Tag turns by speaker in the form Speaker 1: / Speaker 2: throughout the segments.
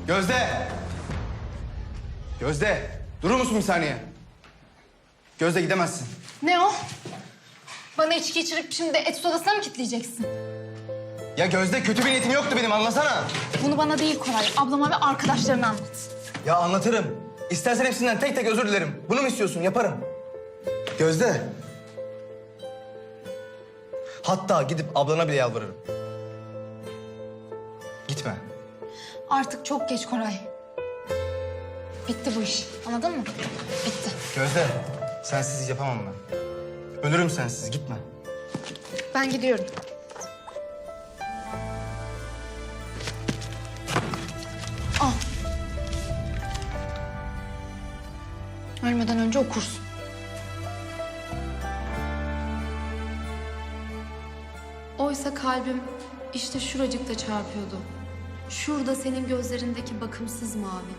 Speaker 1: Gözde! Gözde! Durur musun bir saniye? Gözde gidemezsin.
Speaker 2: Ne o? Bana içki içirip şimdi etüt odasına mı kilitleyeceksin?
Speaker 1: Ya Gözde kötü bir niyetim yoktu benim anlasana.
Speaker 2: Bunu bana değil Koray, ablama ve arkadaşlarına anlat.
Speaker 1: Ya anlatırım. İstersen hepsinden tek tek özür dilerim. Bunu mu istiyorsun? Yaparım. Gözde. Hatta gidip ablana bile yalvarırım. Gitme.
Speaker 2: Artık çok geç Koray. Bitti bu iş, anladın mı? Bitti.
Speaker 1: Gözde, sensiz yapamam ben. Ölürüm sensiz, gitme.
Speaker 2: Ben gidiyorum. Al. Ölmeden önce okursun.
Speaker 3: Oysa kalbim işte şuracıkta çarpıyordu. Şurada senin gözlerindeki bakımsız mavi.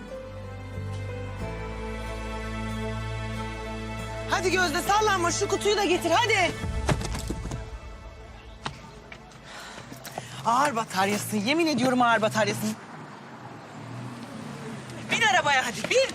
Speaker 4: Hadi Gözde sallanma, şu kutuyu da getir hadi. Ağır bataryasın, yemin ediyorum ağır bataryasın. Bin arabaya hadi, bin.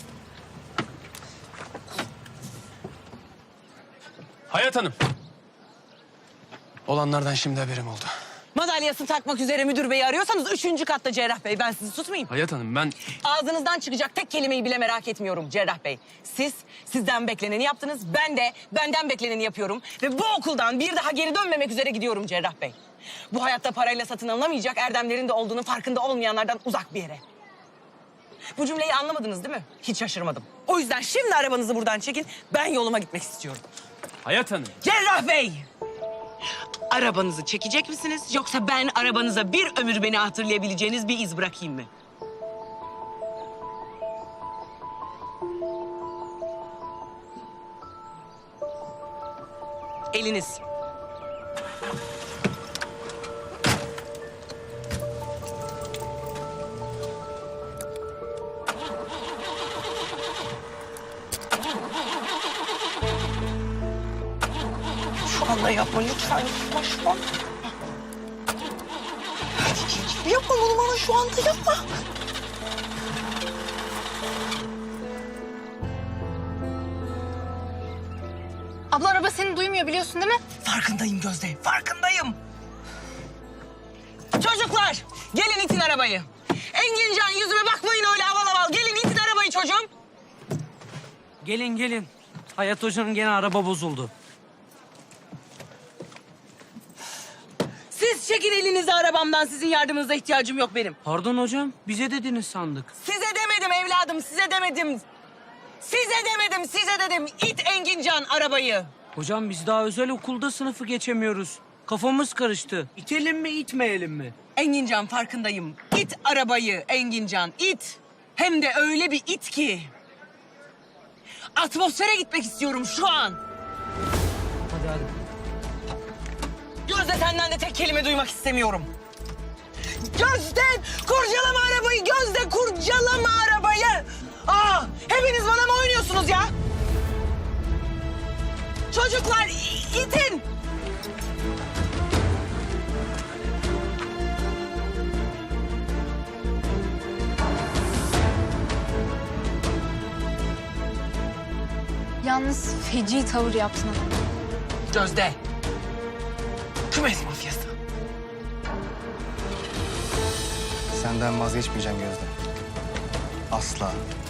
Speaker 5: Hayat Hanım. Olanlardan şimdi haberim oldu.
Speaker 4: Madalyasını takmak üzere müdür beyi arıyorsanız 3. katta Cerrah Bey. Ben sizi tutmayayım.
Speaker 5: Hayat Hanım ben...
Speaker 4: Ağzınızdan çıkacak tek kelimeyi bile merak etmiyorum Cerrah Bey. Siz sizden bekleneni yaptınız. Ben de benden bekleneni yapıyorum. Ve bu okuldan bir daha geri dönmemek üzere gidiyorum Cerrah Bey. Bu hayatta parayla satın alınamayacak erdemlerin de olduğunu farkında olmayanlardan uzak bir yere. Bu cümleyi anlamadınız değil mi? Hiç şaşırmadım. O yüzden şimdi arabanızı buradan çekin. Ben yoluma gitmek istiyorum.
Speaker 5: Hayat Hanım.
Speaker 4: Cerrah Bey! Arabanızı çekecek misiniz? Yoksa ben arabanıza bir ömür beni hatırlayabileceğiniz bir iz bırakayım mı? Eliniz. Şu anda yapma lütfen. Yapma şu an. Yapma bunu bana şu anda yapma.
Speaker 2: Abla araba seni duymuyor biliyorsun değil mi?
Speaker 4: Farkındayım Gözde, farkındayım. Çocuklar, gelin itin arabayı. Engincan yüzüme bakmayın öyle aval aval. Gelin itin arabayı çocuğum.
Speaker 6: Gelin gelin. Hayat Hoca'nın gene araba bozuldu.
Speaker 4: Siz çekin elinizi arabamdan. Sizin yardımınıza ihtiyacım yok benim.
Speaker 6: Pardon hocam, bize dediniz sandık.
Speaker 4: Size demedim evladım, size demedim. Size demedim, size dedim. İt Engincan arabayı.
Speaker 6: Hocam biz daha özel okulda sınıfı geçemiyoruz. Kafamız karıştı. İtelim mi, itmeyelim mi?
Speaker 4: Engincan farkındayım. İt arabayı Engincan, it. Hem de öyle bir it ki. Atmosfere gitmek istiyorum şu an.
Speaker 6: Hadi hadi.
Speaker 4: Gözde senden de tek kelime duymak istemiyorum. Gözde kurcalama arabayı, Gözde kurcalama arabayı. Aa, hepiniz bana mı oynuyorsunuz ya? Çocuklar itin.
Speaker 2: Yalnız feci tavır yaptın ama.
Speaker 4: Gözde. Kümes mafyası.
Speaker 1: Senden vazgeçmeyeceğim Gözde. Asla.